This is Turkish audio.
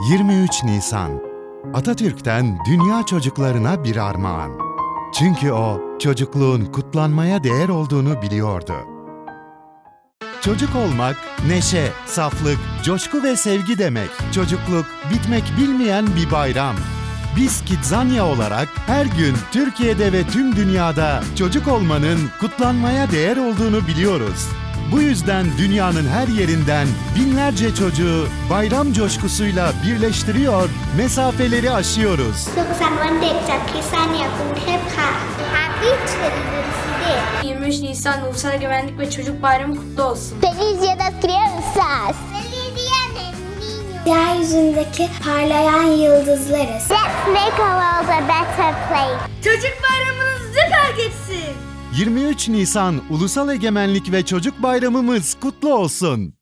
23 Nisan, Atatürk'ten dünya çocuklarına bir armağan. Çünkü o, çocukluğun kutlanmaya değer olduğunu biliyordu. Çocuk olmak, neşe, saflık, coşku ve sevgi demek. Çocukluk, bitmek bilmeyen bir bayram. Biz Kidzania olarak her gün Türkiye'de ve tüm dünyada çocuk olmanın kutlanmaya değer olduğunu biliyoruz. Bu yüzden dünyanın her yerinden binlerce çocuğu bayram coşkusuyla birleştiriyor, mesafeleri aşıyoruz. สุขสันต์วันเด็กจากคิดซาเนียกรุงเทพค่ะ Happy Children's Day 23 Nisan Ulusal Egemenlik ve Çocuk Bayramı kutlu olsun. Feliz Dia das Crianças Feliz Dia del Niño Yeryüzündeki parlayan yıldızlarız. Let's make our world a better place. Çocuk Bayramınız süper geçsin. 23 Nisan Ulusal Egemenlik ve Çocuk Bayramımız kutlu olsun.